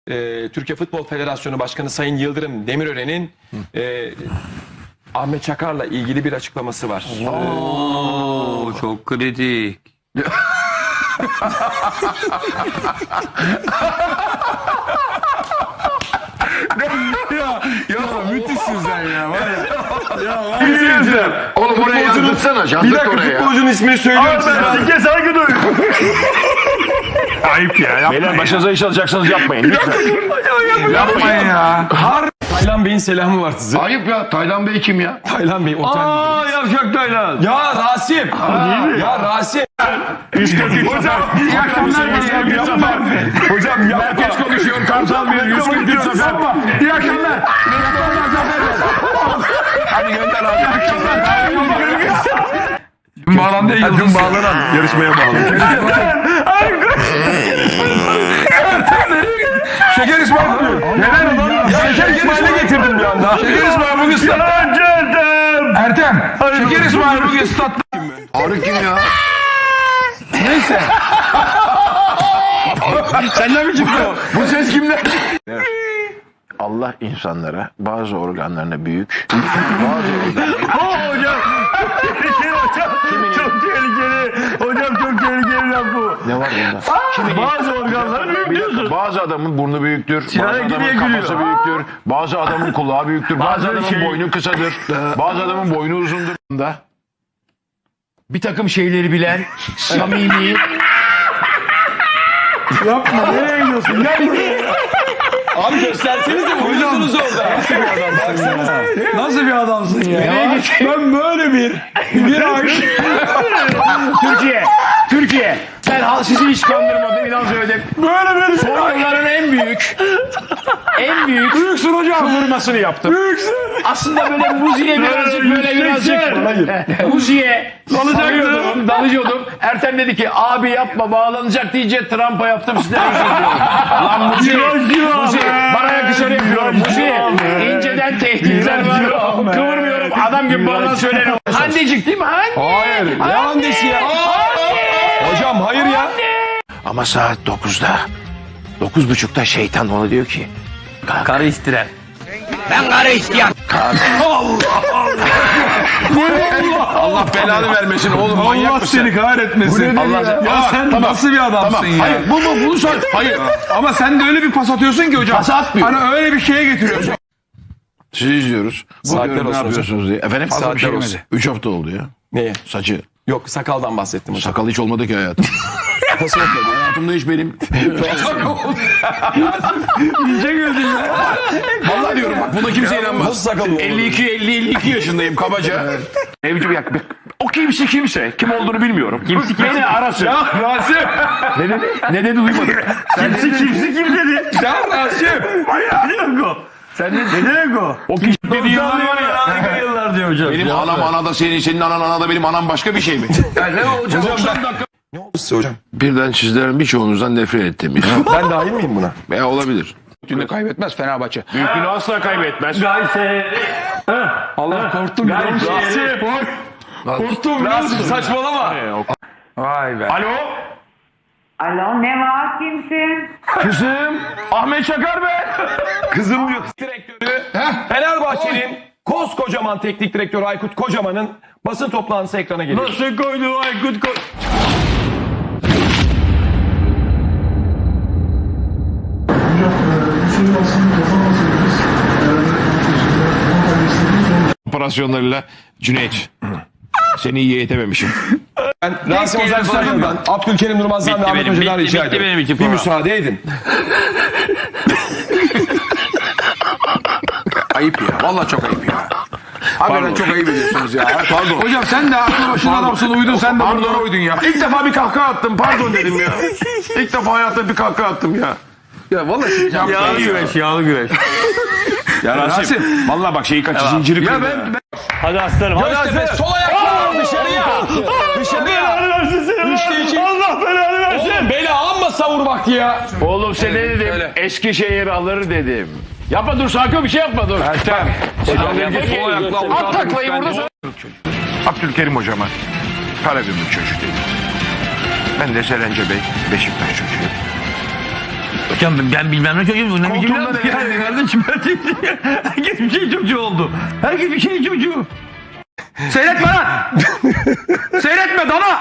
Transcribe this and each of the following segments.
Türkiye Futbol Federasyonu Başkanı Sayın Yıldırım Demirören'in Ahmet Çakar'la ilgili bir açıklaması var. Oo, çok kritik. Ya müthişsin sen ya. Var ya. Oğlum buraya yazdırsana. Bir Yazdırt dakika oraya. futbolcunun ismini söylüyorum size. Sike saygı duy. Ayıp ya. Yapmayın. Beyler başınıza iş alacaksınız yapmayın. Lütfen. Yapmayın ya. Taylan Bey'in selamı var size. Ayıp ya. Taylan Bey kim ya? Taylan Bey otel. Aa yavşak Taylan. Ya Rasim. Ya Rasim. Hocam iyi akşamlar. Hocam ya. Herkes konuşuyor. Kartal Bey 143 sefer. İyi akşamlar. Hadi gönder abi. İyi akşamlar. Dün bağlandı ya. Dün bağlanan. Yarışmaya bağlı. Şeker İsmail diyor. Neden lan? Ya Şeker İsmail'i getirdim bir anda. Şeker İsmail bugün statta. Ertem. Şeker İsmail bugün statta. Arı kim ya? Neyse. Senden mi çıktı o? Bu ses kimden? Allah insanlara bazı organlarına büyük, bazı organlarına... Hocam. Çok tehlikeli. Hocam çok tehlikeli laf bu. Ne var bunda? Bazı organları büyük diyorsun. Bazı adamın burnu büyüktür, bazı Sinan'a adamın gidiyor, kafası gülüyor. büyüktür, bazı adamın kulağı büyüktür, bazı adamın boynu kısadır, bazı adamın boynu uzundur. Bir takım şeyleri bilen, samimi... Yapma. Nereye gidiyorsun? Gel buraya. Abi göstersenize uyuyorsunuz orada. Nasıl bir adamsın ya? Ben böyle bir ay... Türkiye, sen sizi hiç kandırmadım, inan söyledim. Böyle bir Onların en büyük büyüksün hocam. kıvırmasını yaptım. Büyüksün. Aslında böyle muziğe birazcık muziğe dalıyordum. Ertem dedi ki abi yapma bağlanacak diyece trampa yaptım size özür diliyorum. Lan muziğe bana yakışanı yapıyorum. Muziğe inceden tehditler var. Kıvırmıyorum adam gibi bağlan söyleniyor. Handecik değil mi? Hayır. Ne annesi ya? Hocam hayır ya. Ama saat 9'da 9.30'da şeytan ona diyor ki Karı istiren. Allah belanı vermesin oğlum manyak Allah mısın? seni kahretmesin. Ya sen nasıl bir adamsın ya? Hayır bunu sor. Hayır. Ama sen de öyle bir pas atıyorsun ki hocam. Pas atmıyor. Hani öyle bir şeye getiriyorsun. Sizi izliyoruz. Saatler Bakıyorum, olsun ne yapıyorsunuz diye. Efendim? Saatler olsun. 3 hafta oldu ya. Neye? Saçı. Yok sakaldan bahsettim hocam. Sakal hiç olmadı ki hayatım. Nasıl olmadı? Hayatımda hiç benim. İyice güldün ya. Vallahi diyorum bak buna kimse inanmaz. Nasıl sakal olmadı? 52 yaşındayım kabaca. Evcim ya. O kimse. Kim olduğunu bilmiyorum. Beni arasın. Ya Rasim. Ne dedi duymadım. Kim dedi? Ya Rasim. Ne demek o? Sen ne demek o? O kişi dediği Yıllar var ya. Harika yıllar diyor hocam. Benim anam anada senin anan anada benim anam başka bir şey mi? Ne hocam? Ne oldu size hocam? Birden sizlerin birçoğunuzdan nefret ettim. Ben dahil miyim buna? Veya olabilir. Bütünde kaybetmez Fenerbahçe. Büyüklüğünü asla kaybetmez. Allah korktum. Rasim. Korktum. Rasim saçmalama. Vay be. Alo? Alo ne var kimsin? Kızım. Ahmet Çakar ben. Kızım diyor. Direktörü Fenerbahçe'nin koskocaman teknik direktörü Aykut Kocaman'ın basın toplantısı ekrana geliyor. Nasıl koydu Aykut koy. Operasyonlarıyla Cüneyt. Seni iyi eğitememişim. Ben Rasim Ozan Sarı'dan, Abdülkerim Durmaz'dan ve Ahmet Hoca'dan rica bitti benim ediyorum. için Bir program. müsaade edin. Ayıp ya. Vallahi çok ayıp ya. Hakikaten çok ayıp ediyorsunuz ya. Pardon. Hocam sen de aklı başına adamsın uydun sen de buradan uydun ya. İlk defa bir kahkaha attım. Pardon dedim ya. İlk defa hayatta bir kahkaha attım ya. Ya vallahi Yağlı güreş. Ya Rasim. Vallahi bak şeyi kaçı zinciri Ya kırdı. ben Hadi aslanım. Hadi Göztepe aslanım. sol ayakla dışarıya. Dışarıya. Üçte iki. Allah belanı versin. Oğlum beni amma savur vakti ya. Oğlum sen ne dedim? Eskişehir alır dedim. Yapma dur sakın bir şey yapma dur. Ertem. At taklayı burada söyle. Abdülkerim hocama Karagümrük çocuk dedim. Ben de Serence Bey Beşiktaş çocuğu. Hocam ben bilmem ne çocuğum. Ne biçim laf yani kardeşim. Herkes bir şey çocuğu oldu. Herkes bir şey çocuğu. Seyretme lan. Seyretme dana.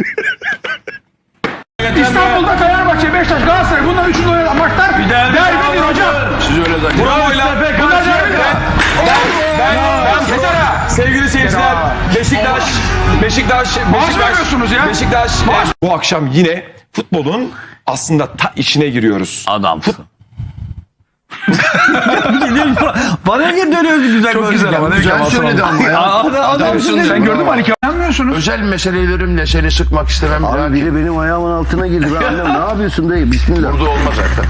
İstanbul'da Fenerbahçe, Beşiktaş, Galatasaray bunlar üçünü oynayan maçlar derbidir hocam. Siz öyle zannediyorsunuz. Bravo lan. Bunlar derbidir. Ben sevgili seyirciler Beşiktaş vermiyorsunuz ya. Bu akşam yine futbolun aslında ta içine giriyoruz. Adamsın. Bana niye dönüyorsun güzel Çok güzel ama ne Güzel söyledi ama ya. Adamsın. Sen gördün mü Ali Anlamıyorsunuz. Özel meselelerimle seni sıkmak istemem. Abi biri benim ayağımın altına girdi. Ben annem ne yapıyorsun dayı? Bismillah. Burada olmaz zaten.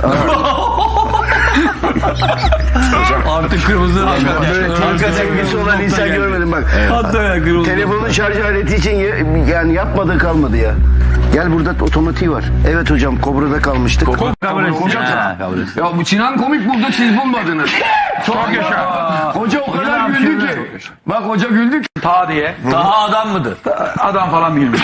Artık kırmızı Böyle kanka sevgisi olan insan görmedim bak. Hatta kırmızı. Telefonun şarj aleti için yani yapmadığı kalmadı ya. Gel burada otomatiği var. Evet hocam Kobra'da kalmıştık. Ya bu Sinan komik buldu siz bulmadınız. Çok yaşa. Hoca o kadar güldü ki. Bak hoca güldü ki. Ta diye. Daha adam mıdır? Adam falan bilmiş.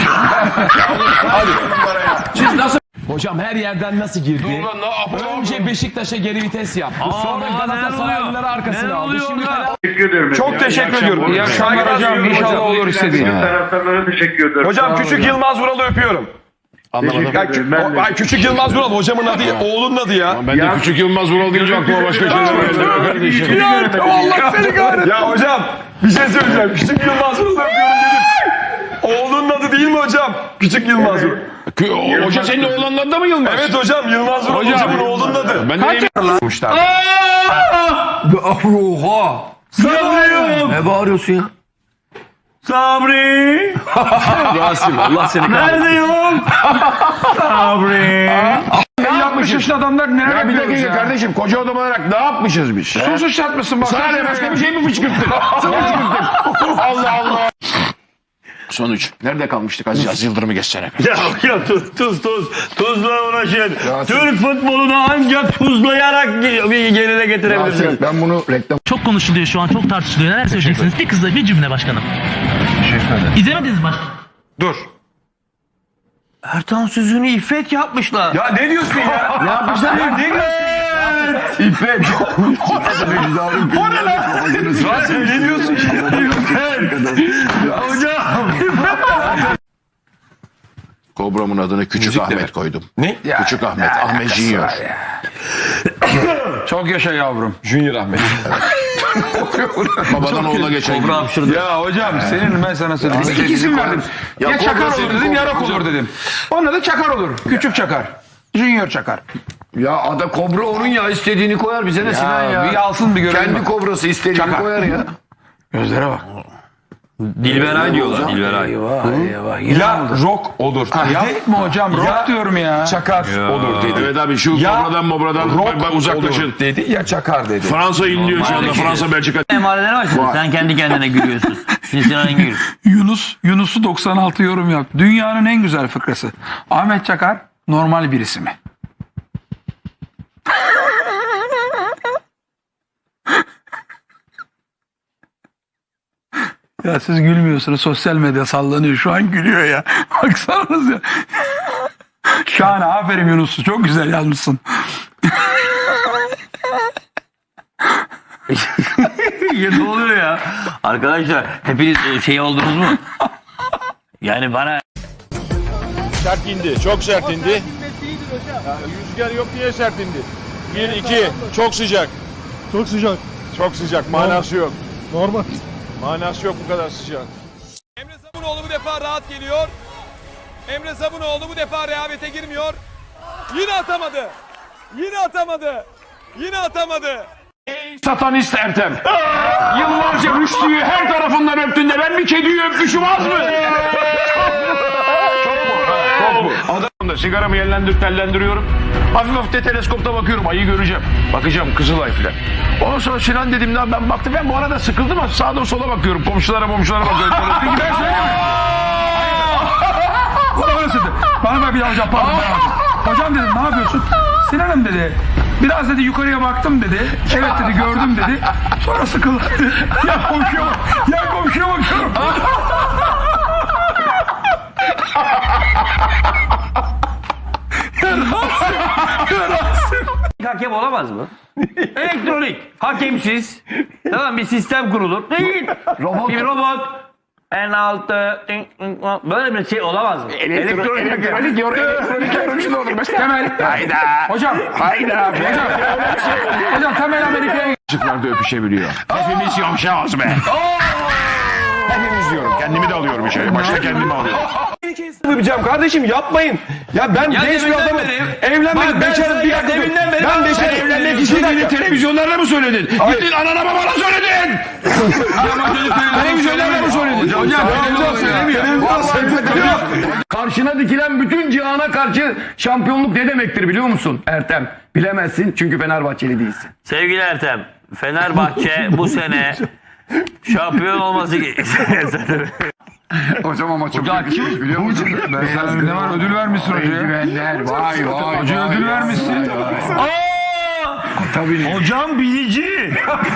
Siz nasıl? Hocam her yerden nasıl girdi? Önce Beşiktaş'a geri vites yaptı. Sonra Galatasaraylıları arkasına aldı. Şimdi çok teşekkür ediyorum. İyi akşamlar hocam. İnşallah olur istediğin. Taraftarlara teşekkür ederim. Hocam küçük Yılmaz Vural'ı öpüyorum. Ya, küçük Yılmaz Vural hocamın adı, oğlunun adı ya. Ben de küçük Yılmaz Vural deyince aklıma başka şeyler geldi kardeşim. Allah seni kahretsin. Ya hocam bir şey söyleyeceğim. Küçük Yılmaz Vural'ı öpüyorum dedim. Oğlunun adı değil mi hocam? Küçük Yılmaz Vural. Hoca senin oğlanın adı da mı Yılmaz? Evet hocam Yılmaz Vural hocamın oğlunun adı. Ben de Oha. Ne bağırıyorsun ya? Sabri. Rasim Allah seni kahretsin. Nerede yok? Sabri. 60 yaşında adamlar ne Ya bir yapıyoruz dakika ya? kardeşim koca adam olarak ne yapmışız biz? Su sıçratmışsın bak. Sana ne başka bir şey mi fışkırttın? Allah Allah. Sonuç. Nerede kalmıştık Aziz Yıldırım'ı geçsene. Ya tuzla uğraşın. Türk futbolunu ancak tuzlayarak bir geride getirebilirsiniz. Ben bunu reklam... Çok konuşuluyor şu an, çok tartışılıyor. Neler söyleyeceksiniz? Bir kızla bir cümle başkanım. İzlemediniz mi başkanım? Dur. Ertan Süzün'ü İffet yapmışlar. Ya ne diyorsun ya? Ne yapmışlar ya? Ne diyorsun? İffet. O ne lan? Ne diyorsun? Kobra'mın adını Küçük Ahmet koydum. Ne? Küçük Ahmet. Ahmet Junior. Çok yaşa yavrum. Junior Ahmet. Babadan oğula geçen gibi. Ya hocam senin ben sana söyleyeyim. İki isim verdim. Ya Çakar olur dedim ya Rock olur dedim. Onun adı Çakar olur. Küçük Çakar. Junior Çakar. Ya ada Kobra onun ya istediğini koyar bize ne Sinan ya. Bir alsın bir görelim. Kendi bak. kobrası istediğini Çakar. koyar ya. Gözlere bak. Dilberay diyorlar Dilberay. Ya rock olur. Yapma hocam. Rock diyorum ya. Çakar olur dedi. Evet abi şu Ya Kobra'dan mobradan rock uzaklaşın. olur dedi ya çakar dedi. Fransa inliyor şu anda. Fransa Belçika. Emareler var şimdi. Sen kendi kendine gülüyorsun. Sinan Engin. Yunus'u 96 yorum yaptı. Dünyanın en güzel fıkrası. Ahmet Çakar normal birisi mi? Ya siz gülmüyorsunuz. Sosyal medya sallanıyor. Şu an gülüyor ya. Baksanız ya. Şahane. Aferin Yunus'u. Çok güzel yazmışsın. Ya ne oluyor ya? Arkadaşlar hepiniz şey oldunuz mu? Yani bana Sert indi. Çok sert indi. Ya, rüzgar yok diye sert indi. 1, 2. Çok sıcak. Çok sıcak. Çok sıcak. Manası yok. Normal. Manası yok bu kadar sıcak. Emre Sabunoğlu bu defa rahat geliyor. Emre Sabunoğlu bu defa rehavete girmiyor. Yine atamadı. Yine atamadı. Yine atamadı. Satanist Ertem. Yıllarca Rüştü'yü her tarafından öptün de ben bir kediyi öpmüşüm az mı? Çok mu? Adam da sigaramı tellendiriyorum. Hafif hafif de teleskopta bakıyorum. Ayı göreceğim. Bakacağım Kızılay filan. Ondan sonra Sinan dedim lan ben baktım. Ben bu arada sıkıldım ama sağda sola bakıyorum. Komşulara bakıyorum. Peki ben söyleyeyim mi? Bana bak bir daha hocam pardon. Hocam dedim ne yapıyorsun? Sinan'ım dedi. Biraz dedi yukarıya baktım dedi. Evet dedi gördüm dedi. Sonra sıkıldı dedi. Ya komşuya bak. Ya komşuya bakıyorum. Ya hakem olamaz mı? Elektronik. Hakemsiz. Tamam bir sistem kurulur. Değil. Bir robot. En altı. Böyle bir şey olamaz mı? Elektronik yorumcu da olur mesela. Temel. Hayda. Hocam. Hayda. Hocam Temel Amerika'ya Çocuklar da öpüşebiliyor. Hepimiz yumuşağız be. Hepimiz diyorum. Kendimi de alıyorum içeri. Başta kendimi alıyorum. Yapacağım kardeşim yapmayın. Ya ben genç bir adamım. Evlenmek bekarım bir dakika. Ben bekarım evlenmek istiyorum. Televizyonlarda mı söyledin? Gittin anana babana söyledin. Televizyonlarda mı söyledin? Hocam söylemiyor. Karşına dikilen bütün cihana karşı şampiyonluk ne demektir biliyor musun Ertem? Bilemezsin çünkü Fenerbahçeli değilsin. Sevgili Ertem, Fenerbahçe bu sene şampiyon olması Hocam ama çok yakışmış biliyor musun? Ne var ödül vermişsin hocaya. Eldivenler vay. Hoca ödül vermişsin. Tabii. Hocam bilici.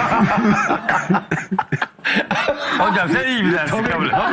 Hocam sen iyi bilersin kabul et.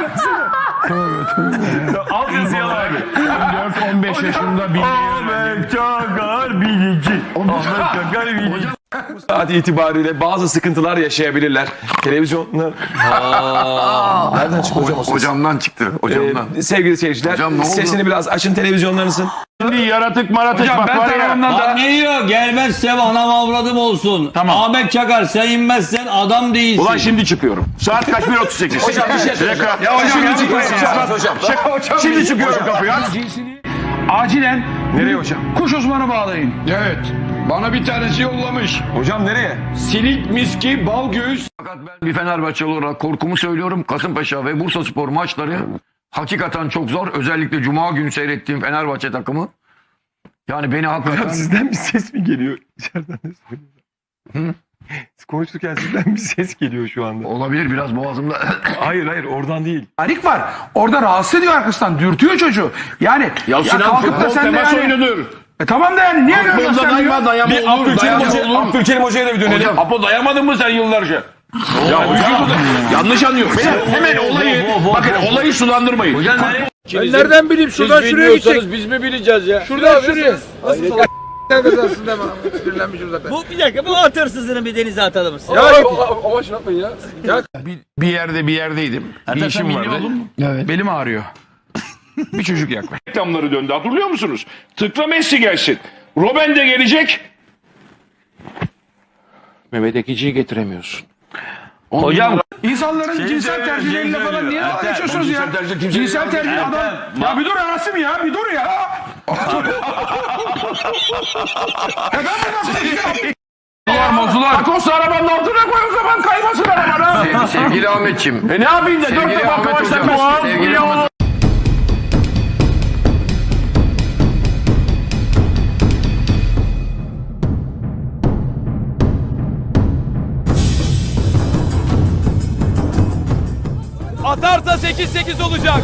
Al yazıyor abi. 14-15 yaşında bir Ahmet Çakar bilici. Ahmet Çakar bilici. Saat itibariyle bazı sıkıntılar yaşayabilirler. Televizyonlar... Nereden çıktı hocam o ses? Hocamdan çıktı. Hocamdan. Sevgili seyirciler, Hocam ne oldu? sesini biraz açın televizyonlarınızın. Şimdi yaratık maratık Hocam bak ben var ya. tarafımdan da... Ne diyor? Gelmezsem anam avradım olsun. Tamam. Ahmet Çakar sen inmezsen adam değilsin. Ulan şimdi çıkıyorum. Saat kaç? 1.38. Hocam bir şey söyleyeceğim. Ya hocam Şimdi yapmayın çıkıyorsun. ya. Hocam. Şimdi çıkıyorum kapıya. Acilen Nereye hocam? kuş uzmanı bağlayın. Evet. Bana bir tanesi yollamış. Hocam nereye? Silik, miski, bal göğüs. Fakat ben bir Fenerbahçeli olarak korkumu söylüyorum. Kasımpaşa ve Bursaspor maçları hakikaten çok zor. Özellikle Cuma günü seyrettiğim Fenerbahçe takımı. Yani beni hakikaten... Sizden bir ses mi geliyor? İçeriden de söylüyorum. Siz konuşurken sizden bir ses geliyor şu anda. Olabilir biraz boğazımda. Hayır oradan değil. Harik var. Orada rahatsız ediyor arkasından. Dürtüyor çocuğu. Yani Ya Sinan kalkıp da futbol sen de temas yani... oyunudur. Tamam da yani niye böyle göstermiyor? Dayama Bir Abdülkerim Hoca'ya da bir dönelim. Apo dayamadın mı sen yıllarca? Ya hocam yanlış anlıyor. Hemen olayı bakın olayı sulandırmayın. Hocam Ben nereden bileyim şuradan şuraya gidecek. Biz mi bileceğiz ya? Şuradan şuraya. Nasıl salak kazansın deme. Sinirlenmişim zaten. Bu bir dakika bu at hırsızını bir denize atalım. Ya ama şey yapmayın ya. Ya Bir yerdeydim. Bir işim vardı. Belim ağrıyor. Bir çocuk yaklaş. reklamları döndü hatırlıyor musunuz? Tıkla Messi gelsin. Robben de gelecek. Mehmet Ekici'yi getiremiyorsun. hocam İnsanların cinsel tercihleriyle falan niye dalga geçiyorsunuz ya? Cinsel tercih adam... Ya bir dur Rasim ya, bir dur ya. Mozular. Takosu arabanın altına koy o zaman kaymasın arabana. Sevgili Ahmetciğim. Ne yapayım da 4 defa kavaştan boğaz. Sevgili Ahmet. Atarsa 8-8 olacak.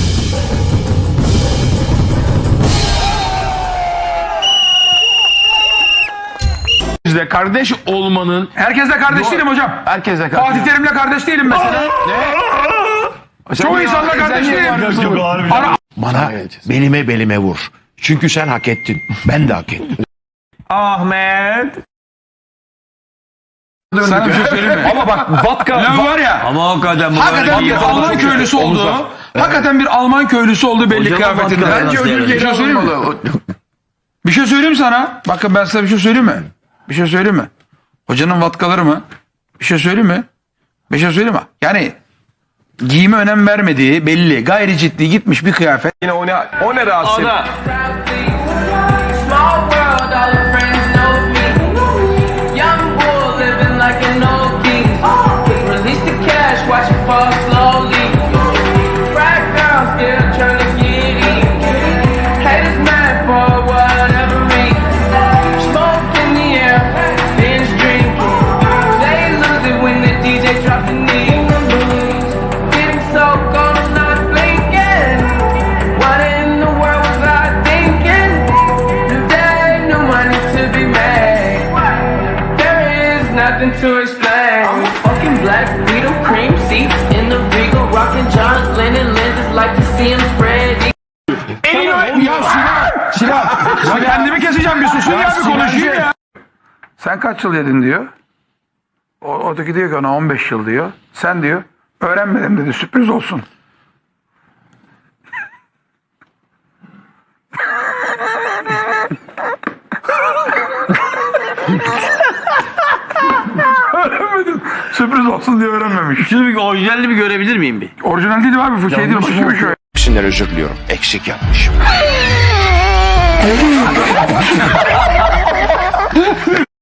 Bizde kardeş olmanın... Herkesle kardeş değilim hocam. Herkese kardeş. Fatih Terim'le kardeş değilim mesela. Çoğu insanla kardeş değilim. Bana belime vur. Çünkü sen hak ettin. Ben de hak ettim. Ahmet. Sana bir şey söyleyeyim mi? Ama bak Vatka var ya. Ama hakikaten Hakikaten bir Alman köylüsü olduğu. Hakikaten bir Alman köylüsü olduğu belli Hocam kıyafetinde. Vatka Bence nasıl ödül yani? bir şey söyleyeyim mi? Bir şey söyleyeyim sana. Bakın ben size bir şey söyleyeyim mi? Bir şey söyleyeyim mi? Hocanın vatkaları mı? Bir şey söyleyeyim mi? Bir şey söyleyeyim mi? Yani giyime önem vermediği belli. Gayri ciddi gitmiş bir kıyafet. yine o ne Rasim? Ana. Small world, all the friends know me. Young bull living like an old king. Release the cash, watch it fall slowly. Right girl still trying to get in. Haters mad for whatever reason. Smoke in the air, binge drinking. They lose it when the DJ drops the knee. Getting so cold, I'm not blinking. What in the world was I thinking? Today, no money to be made. There is nothing to explain. I'm fucking black, Beetle cream seats in the Regal, rocking John Lennon lenses, like to see him spread. Ya Sinan! Ya kendimi keseceğim bir susun ya bir konuşayım ya. Sen kaç yıl yedin diyor. Öteki diyor ki ona 15 yıl diyor. Sen diyor öğrenmedim dedi, sürpriz olsun. Öğrenmedim. Sürpriz olsun diye öğrenmemiş. Şunu bir orijinalini bir görebilir miyim bir? Orijinal değil abi, bu şey değil. Başka bir şey. Hepsinden özür diliyorum. Eksik yapmışım.